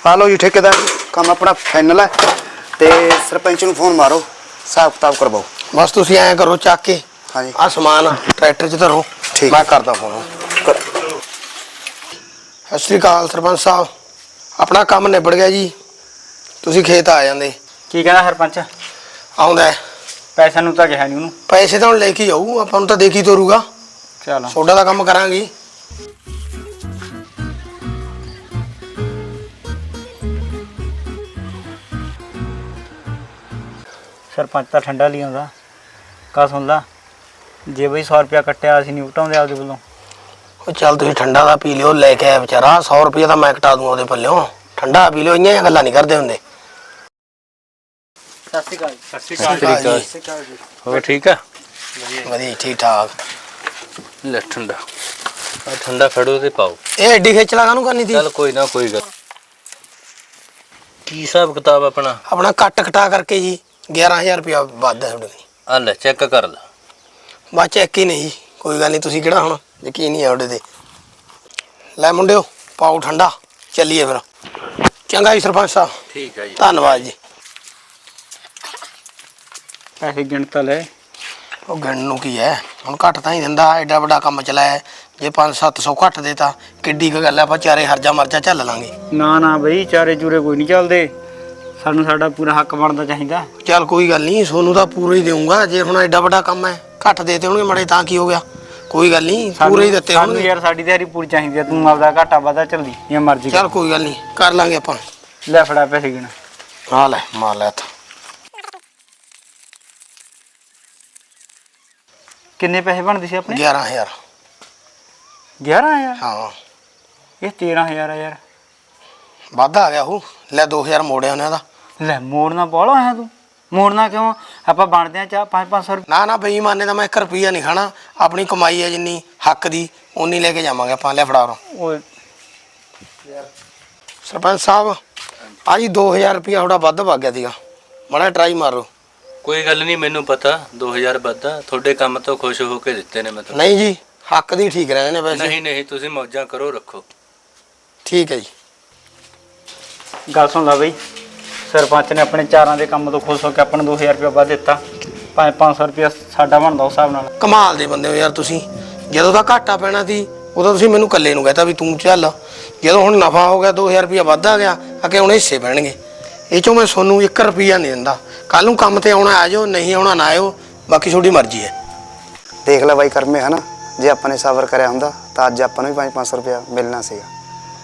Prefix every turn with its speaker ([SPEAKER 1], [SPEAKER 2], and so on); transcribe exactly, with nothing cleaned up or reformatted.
[SPEAKER 1] ਆ ਲਓ ਜੀ ਠੇਕੇਦਾਰ ਕੰਮ ਆਪਣਾ ਫਾਈਨਲ ਹੈ ਤੇ ਸਰਪੰਚ ਨੂੰ ਫੋਨ ਮਾਰੋ ਹਿਸਾਬ ਕਿਤਾਬ ਕਰਵਾਓ।
[SPEAKER 2] ਬਸ ਤੁਸੀਂ ਐਂ ਕਰੋ ਚੱਕ ਕੇ
[SPEAKER 1] ਹਾਂਜੀ
[SPEAKER 2] ਆ ਸਮਾਨ ਟਰੈਕਟਰ 'ਚ ਧਰੋ
[SPEAKER 1] ਠੀਕ
[SPEAKER 2] ਮੈਂ ਕਰਦਾ ਫੋਨ। ਸਤਿ ਸ਼੍ਰੀ ਅਕਾਲ ਸਰਪੰਚ ਸਾਹਿਬ ਆਪਣਾ ਕੰਮ ਨਿਬੜ ਗਿਆ ਜੀ ਤੁਸੀਂ ਖੇਤ ਆ ਜਾਂਦੇ।
[SPEAKER 3] ਕੀ ਕਹਿੰਦਾ ਸਰਪੰਚ?
[SPEAKER 2] ਆਉਂਦਾ
[SPEAKER 3] ਪੈਸਿਆਂ ਨੂੰ ਤਾਂ ਕਿਹਾ ਨਹੀਂ ਉਹਨੂੰ।
[SPEAKER 2] ਪੈਸੇ ਤਾਂ ਹੁਣ ਲੈ ਕੇ ਜਾਊ ਆਪਾਂ ਨੂੰ ਤਾਂ ਦੇਖੀ ਤੋਰੂਗਾ।
[SPEAKER 3] ਚਲ
[SPEAKER 2] ਸੋਡਾ ਦਾ ਕੰਮ ਕਰਾਂਗੇ।
[SPEAKER 3] ਸਰਪੰਚ ਤਾਂ ਠੰਡਾ ਲਈ ਆਉਂਦਾ। ਕਾ ਸੁਣ ਲਾ ਜੇ ਬਈ ਸੌ ਰੁਪਇਆ ਕੱਟਿਆ ਅਸੀਂ ਨਹੀਂ ਉਟਾਉਂਦੇ ਆਪਦੇ ਵੱਲੋਂ।
[SPEAKER 2] ਉਹ ਚੱਲ ਤੁਸੀਂ ਠੰਡਾ ਦਾ ਪੀ ਲਿਓ ਲੈ ਕੇ ਆਇਆ ਵਿਚਾਰਾ ਸੌ ਰੁਪਏ ਤਾਂ ਮੈਂ ਕਟਾ ਦੂੰ ਉਹਦੇ ਪੱਲਿਓਂ। ਠੰਡਾ ਪੀ ਲਿਓ ਇੰਨੀਆਂ ਗੱਲਾਂ ਨਹੀਂ ਕਰਦੇ ਹੁੰਦੇ।
[SPEAKER 3] ਸਤਿ ਸ਼੍ਰੀ ਅਕਾਲ।
[SPEAKER 2] ਸਤਿ ਸ਼੍ਰੀ ਅਕਾਲ ਜੀ।
[SPEAKER 4] ਹੋਰ ਠੀਕ ਆ?
[SPEAKER 2] ਵਧੀਆ ਠੀਕ ਠਾਕ।
[SPEAKER 4] ਲੈ ਠੰਡਾ ਆ ਠੰਡਾ ਫੜੋ ਤੇ ਪਾਓ।
[SPEAKER 2] ਇਹ ਐਡੀ ਖੇਚਲਾ ਕਾਹਨੂੰ ਕਰਨੀ ਸੀ?
[SPEAKER 4] ਚੱਲ ਕੋਈ ਨਾ ਕੋਈ ਗੱਲ। ਕੀ ਹਿਸਾਬ ਕਿਤਾਬ ਆਪਣਾ?
[SPEAKER 2] ਆਪਣਾ ਕੱਟ ਕਟਾ ਕਰਕੇ ਜੀ ਗਿਆਰਾਂ ਹਜ਼ਾਰ ਰੁਪਇਆ ਵੱਧ ਹੈ ਤੁਹਾਡੇ ਲਈ।
[SPEAKER 4] ਆ ਲੈ ਚੈੱਕ ਕਰ ਲੈ।
[SPEAKER 2] ਬਸ ਚੈੱਕ ਹੀ ਨਹੀਂ ਕੋਈ ਗੱਲ ਨਹੀਂ ਤੁਸੀਂ ਕਿਹੜਾ ਹੁਣ ਯਕੀਨ ਨਹੀਂ ਆ ਉਹਦੇ ਤੇ। ਲੈ ਮੁੰਡਿਓ ਪਾਓ ਠੰਡਾ ਚੱਲੀਏ ਫਿਰ। ਚੰਗਾ ਜੀ ਸਰਪੰਚ ਸਾਹਿਬ
[SPEAKER 4] ਠੀਕ ਹੈ ਜੀ
[SPEAKER 2] ਧੰਨਵਾਦ ਜੀ।
[SPEAKER 3] ਪੈਸੇ ਗਿਣਤਾ ਲੈ।
[SPEAKER 2] ਉਹ ਗਿਣਨ ਨੂੰ ਕੀ ਹੈ ਹੁਣ ਘੱਟ ਤਾਂ ਹੀ ਦਿੰਦਾ ਐਡਾ ਵੱਡਾ ਕੰਮ ਚਲਾਇਆ ਜੇ ਪੰਜ ਸੱਤ ਸੌ ਘੱਟ ਦੇ ਤਾਂ ਕਿੱਡੀ ਕੁ ਗੱਲ ਹੈ ਆਪਾਂ ਚਾਰੇ ਹਰਜਾ ਮਰਜਾ ਝੱਲ ਲਾਂਗੇ।
[SPEAKER 3] ਨਾ ਨਾ ਬਈ ਚਾਰੇ ਚੂਰੇ ਕੋਈ ਨਹੀਂ ਚੱਲਦੇ। ਸਾਨੂੰ ਸਾਡਾ ਪੂਰਾ ਹੱਕ ਬਣਦਾ ਚਾਹੀਦਾ।
[SPEAKER 2] ਚੱਲ ਕੋਈ ਗੱਲ ਨਹੀਂ ਸੋਨੂੰ ਤਾਂ ਪੂਰਾ ਹੀ ਦੇਊਂਗਾ ਜੇ ਹੁਣ ਐਡਾ ਵੱਡਾ ਕੰਮ ਹੈ ਘੱਟ ਦੇਤੇ ਹੋਣਗੇ ਮੜੇ ਤਾਂ ਕੀ ਹੋ ਗਿਆ ਕੋਈ ਗੱਲ ਨਹੀਂ ਪੂਰੇ ਹੀ ਦਿੱਤੇ
[SPEAKER 3] ਸਾਨੂੰ
[SPEAKER 2] ਹੋਣਗੇ।
[SPEAKER 3] ਯਾਰ ਸਾਡੀ ਦਿਹਾੜੀ ਪੂਰੀ ਚਾਹੀਦੀ ਆ। ਤੂੰ ਆਪਦਾ ਘਾਟਾ ਵਾਧਾ ਚੱਲਦੀ ਜਾਂ ਮਰਜ਼ੀ
[SPEAKER 2] ਚੱਲ ਕੋਈ ਗੱਲ ਨਹੀਂ ਕਰ ਲਾਂਗੇ ਆਪਾਂ।
[SPEAKER 3] ਲੈ ਫੜਾ ਪੈਸੇ ਗਿਣ।
[SPEAKER 2] ਹਾਂ ਲੈ ਮਾਰ ਲੈ ਤਾ।
[SPEAKER 3] ਕਿੰਨੇ ਪੈਸੇ ਬਣਦੇ ਸੀ ਆਪਣੇ?
[SPEAKER 2] ਗਿਆਰਾਂ ਹਜ਼ਾਰ।
[SPEAKER 3] ਗਿਆਰਾਂ ਹਜ਼ਾਰ?
[SPEAKER 2] ਹਾਂ
[SPEAKER 3] ਇਹ ਤੇਰਾਂ ਹਜ਼ਾਰ ਆ ਯਾਰ।
[SPEAKER 2] ਵਾਧਾ ਆ ਗਿਆ ਉਹ। ਲੈ ਦੋ ਹਜ਼ਾਰ ਮੋੜਿਆ ਉਹਨੇ ਦਾ।
[SPEAKER 3] ਲੈ ਮੋੜਨਾ ਬਾਹਲਾ ਆਇਆ ਤੂੰ। ਮੋੜਨਾ ਕਿਉਂ? ਆਪਾਂ ਬਣਦੇ ਆ ਚਾਹ ਪੰਜ ਪੰਜ ਸੌ ਰੁਪਏ।
[SPEAKER 2] ਨਾ ਨਾ ਬੇਈਮਾਨੇ ਦਾ ਮੈਂ ਇੱਕ ਰੁਪਈਆ ਨਹੀਂ ਖਾਣਾ। ਆਪਣੀ ਕਮਾਈ ਹੈ ਜਿੰਨੀ ਹੱਕ ਦੀ ਉਨੀ ਲੈ ਕੇ ਜਾਵਾਂਗੇ ਆਪਾਂ। ਲੈ ਫੜਾ ਰੋ
[SPEAKER 3] ਓਏ
[SPEAKER 2] ਸਰਪੰਚ ਸਾਹਿਬ ਆ ਜੀ ਦੋ ਹਜ਼ਾਰ ਰੁਪਈਆ ਥੋੜਾ ਵੱਧ ਵਗ ਗਿਆ ਸੀਗਾ ਮਾੜਾ ਟਰਾਈ ਮਾਰੋ।
[SPEAKER 4] ਕੋਈ ਗੱਲ ਨਹੀਂ ਮੈਨੂੰ ਪਤਾ ਦੋ ਹਜ਼ਾਰ ਵੱਧਾ ਤੁਹਾਡੇ ਕੰਮ ਤੋਂ ਖੁਸ਼ ਹੋ ਕੇ ਦਿੱਤੇ ਨੇ ਮੈਂ ਤਾਂ।
[SPEAKER 2] ਨਹੀਂ ਜੀ ਹੱਕ ਦੀ ਠੀਕ ਰਹਿੰਦੇ ਨੇ ਵੈਸੇ।
[SPEAKER 4] ਨਹੀਂ ਨਹੀਂ ਤੁਸੀਂ ਮੌਜਾਂ ਕਰੋ ਰੱਖੋ।
[SPEAKER 2] ਠੀਕ ਹੈ ਜੀ।
[SPEAKER 3] ਗੱਲ ਸੁਣ ਲਾ ਬਈ ਸਰਪੰਚ ਨੇ ਆਪਣੇ ਚਾਰਾਂ ਦੇ ਕੰਮ ਤੋਂ ਖੁਸ਼ ਹੋ ਕੇ ਆਪਾਂ ਨੂੰ ਦੋ ਹਜ਼ਾਰ ਰੁਪਏ ਵੱਧ ਦਿੱਤਾ। ਪੰਜ ਪੰਜ ਸੌ ਰੁਪਇਆ ਸਾਡਾ ਬਣਦਾ ਉਸ ਹਿਸਾਬ ਨਾਲ।
[SPEAKER 2] ਕਮਾਲ ਦੇ ਬੰਦੇ ਹੋ ਯਾਰ ਤੁਸੀਂ। ਜਦੋਂ ਦਾ ਘਾਟਾ ਪੈਣਾ ਸੀ ਉਦੋਂ ਤੁਸੀਂ ਮੈਨੂੰ ਇਕੱਲੇ ਨੂੰ ਕਹਿਤਾ ਵੀ ਤੂੰ ਚੱਲ। ਜਦੋਂ ਹੁਣ ਨਫਾ ਹੋ ਗਿਆ ਦੋ ਹਜ਼ਾਰ ਰੁਪਇਆ ਵੱਧ ਆ ਗਿਆ ਅੱਗੇ ਹੁਣ ਹਿੱਸੇ ਪੈਣਗੇ। ਇਹ ਚੋਂ ਮੈਂ ਤੁਹਾਨੂੰ ਇੱਕ ਰੁਪਈਆ ਨਹੀਂ ਦਿੰਦਾ। ਕੱਲ ਨੂੰ ਕੰਮ ਤੇ ਆਉਣਾ ਆ ਜਾਓ ਨਹੀਂ ਆਉਣਾ ਨਾ ਆਇਓ ਬਾਕੀ ਤੁਹਾਡੀ ਮਰਜ਼ੀ ਹੈ।
[SPEAKER 1] ਦੇਖ ਲੈ ਬਾਈ ਕਰਮੇ ਹਨਾ ਜੇ ਆਪਾਂ ਨੇ ਸਬਰ ਕਰਿਆ ਹੁੰਦਾ ਤਾਂ ਅੱਜ ਆਪਾਂ ਨੂੰ ਵੀ ਪੰਜ ਪੰਜ ਸੌ ਰੁਪਇਆ ਮਿਲਣਾ ਸੀਗਾ।